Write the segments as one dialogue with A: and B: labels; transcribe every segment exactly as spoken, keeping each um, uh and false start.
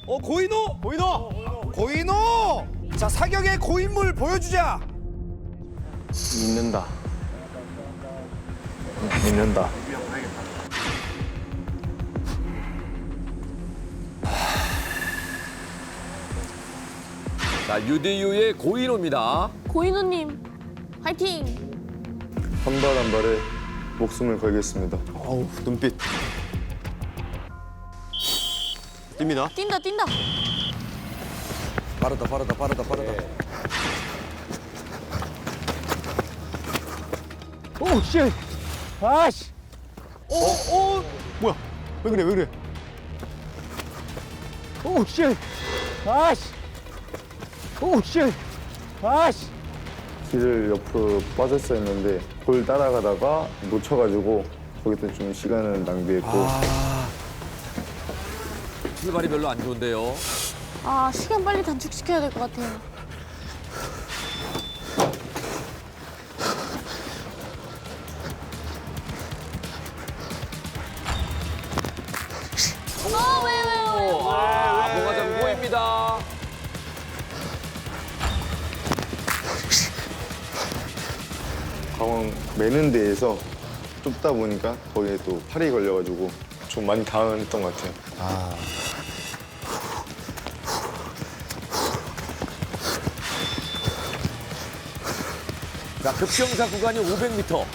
A: 어 고인호. 고인호. 고인호. 자 사격의 고인물 보여주자.
B: 믿는다. 믿는다.
C: 자, 유대유의 고인호입니다.
D: 고인호님, 화이팅!
B: 한 발 한 발에 목숨을 걸겠습니다.
E: 어우, 눈빛. 뜁니다.
D: 뛴다, 뛴다.
A: 빠르다 빠르다 빠르다 빠르다.
E: 오, 씨. 아씨. 어, 어. 뭐야? 왜 그래? 왜 그래? 오, 씨. 아씨. 오, 씨. 아씨.
B: 길을 옆으로 빠졌어야 했는데 골 따라가다가 놓쳐가지고 거기서 좀 시간을 낭비했고
C: 출발이 별로 안 좋은데요.
D: 아, 시간 빨리 단축시켜야 될 것 같아요. 어, 왜, 왜, 왜?
C: 아, 봉화장고입니다.
B: 가왕 매는 데에서 좁다 보니까 거기에 또 팔이 걸려가지고 좀 많이 당황했던 것 같아요.
C: 자, 급경사 구간이 오백 미터.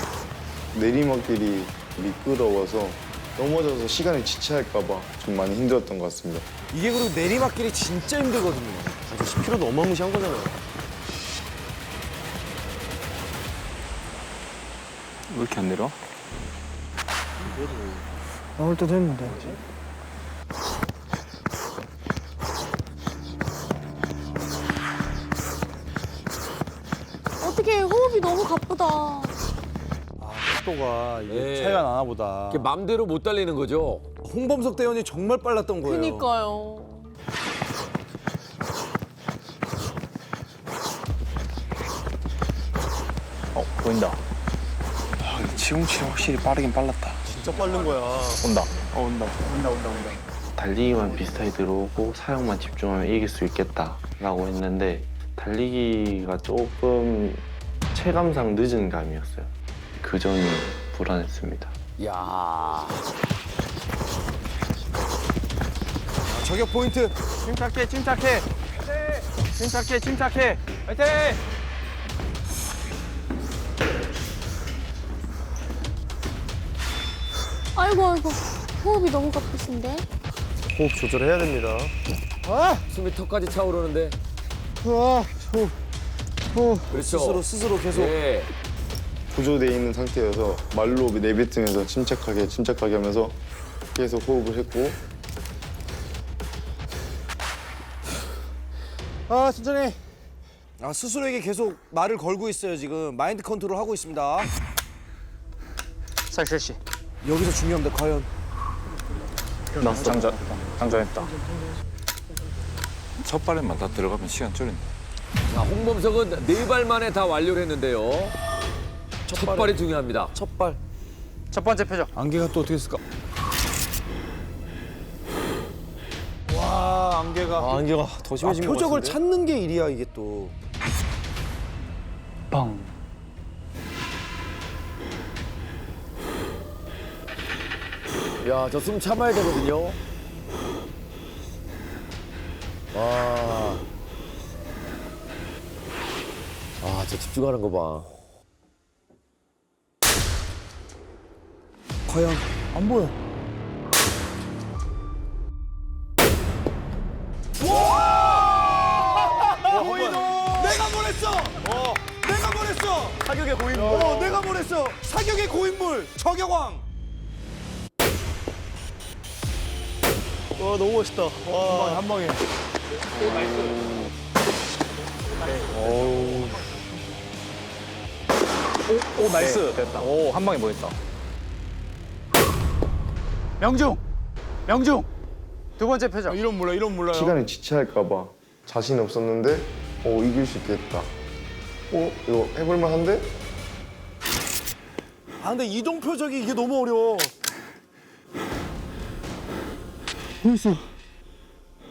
B: 내리막길이 미끄러워서 넘어져서 시간을 지체할까 봐 좀 많이 힘들었던 것 같습니다.
A: 이게 그리고 내리막길이 진짜 힘들거든요.
E: 십 킬로미터도 어마무시한 거잖아요.
B: 왜 이렇게 안 내려?
E: 나올 때도 했는데.
D: 어떻게 호흡이 너무 가쁘다.
E: 속도가 이게
C: 예.
E: 차이가 나나 보다.
C: 이게 맘대로 못 달리는 거죠.
A: 홍범석 대원이 정말 빨랐던 거예요.
D: 그니까요.
B: 어, 보인다. 아, 치웅치웅 확실히 빠르긴 빨랐다.
E: 진짜 빠른 거야.
B: 온다. 어, 온다. 온다, 온다, 온다.
F: 달리기만 비슷하게 들어오고 사용만 집중하면 이길 수 있겠다라고 했는데 달리기가 조금 체감상 늦은 감이었어요. 그 점이 불안했습니다.
C: 야,
A: 저격 포인트.
E: 침착해, 침착해. 침착해, 침착해. 화이팅!
D: 아이고, 아이고. 호흡이 너무 가쁘신데?
E: 호흡 조절해야 됩니다. 아!
C: 숨이 턱까지 차오르는데.
E: 아, 호, 호.
C: 그렇죠.
A: 스스로 스스로 계속.
C: 예.
B: 구조돼 있는 상태여서 말로 내뱉으면서 침착하게 침착하게 하면서 계속 호흡을 했고
E: 아, 천천히.
A: 아 스스로에게 계속 말을 걸고 있어요 지금. 마인드 컨트롤 하고 있습니다.
E: 살실시.
A: 여기서 중요합니다. 과연
B: 났어. 장전, 장전했다.
G: 첫 발에만 다 들어가면 시간 줄인다.
C: 자, 홍범석은 네 발 만에 다 완료를 했는데요. 첫, 발이 중요합니다.
A: 첫 발.
E: 첫 번째 표정.
A: 안개가 또 어떻게 했을까?
E: 와, 안개가.
A: 아, 안개가 더 심해진 것 표적을
E: 같은데?
A: 찾는 게 일이야 이게 또.
B: 빵.
C: 야, 저 숨 참아야 되거든요. 와. 아, 저 집중하는 거 봐.
A: 과연
E: 안 보여.
A: 내가 보냈어. 내가 보냈어.
E: 사격의 고인물.
A: 어, 내가 보냈어. 사격의 고인물 저격왕.
E: 와, 너무 멋있다. 와, 한 방에. 오, 오, 나이스. 됐다. 오, 한 방에 보냈다. 명중! 명중! 두 번째 표정. 이런 몰라, 이런 몰라요.
B: 시간을 지체할까 봐 자신 없었는데 어 이길 수 있겠다. 어 이거 해볼만 한데?
A: 아 근데 이동 표적이 이게 너무 어려워.
E: 벌써.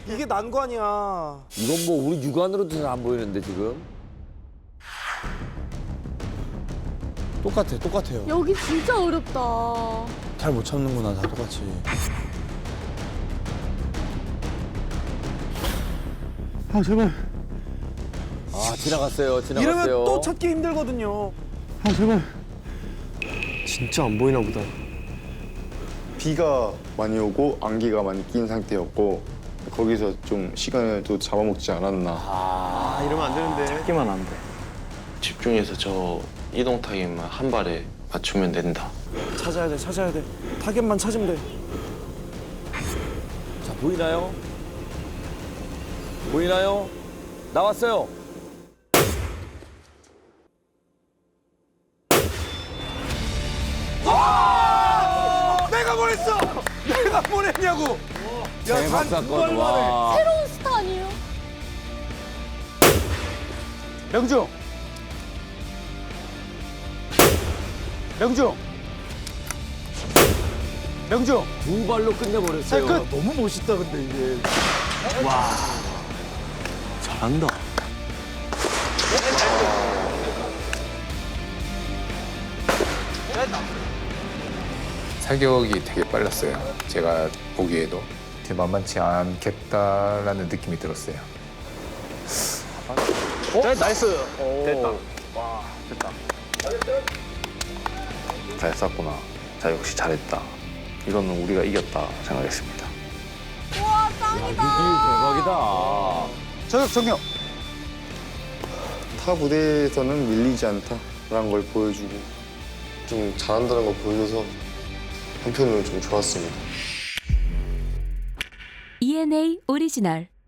A: 이게 난관이야.
C: 이건 뭐 우리 육안으로도 잘 안 보이는데 지금.
E: 똑같아, 똑같아요.
D: 여기 진짜 어렵다.
E: 잘 못 참는구나, 다 똑같이. 아, 제발.
C: 아 지나갔어요. 지나갔어요.
A: 이러면 또 찾기 힘들거든요.
E: 아, 제발.
H: 진짜 안 보이나 보다.
B: 비가 많이 오고 안개가 많이 낀 상태였고 거기서 좀 시간을 또 잡아먹지 않았나.
H: 아, 이러면 안 되는데.
F: 찾기만 안 돼. 집중해서 저 이동 타겟만 한 발에 맞추면 된다.
A: 찾아야 돼, 찾아야 돼. 타겟만 찾으면 돼.
C: 자 보이나요? 보이나요? 나왔어요.
A: 내가 보냈어! 내가 보냈냐고!
C: 대박 사건. 와.
D: 새로운 스타 아니에요?
E: 명중. 명중. 명중.
C: 두 발로 끝내버렸어요.
E: 끝. 너무 멋있다, 근데 이게.
H: 잘한다.
G: 사격이 되게 빨랐어요. 제가 보기에도 되게 만만치 않겠다라는 느낌이 들었어요.
F: 잘 쐈구나. 자 역시 잘했다. 이거는 우리가 이겼다 생각했습니다.
D: 우와, 짱이다.
C: 대박이다.
E: 저격 정력.
B: 타 부대에서는 밀리지 않다라는 걸 보여주고 좀 잘한다는 걸 보여줘서 한편으로 좀 좋았습니다.
I: 이엔에이 오리지널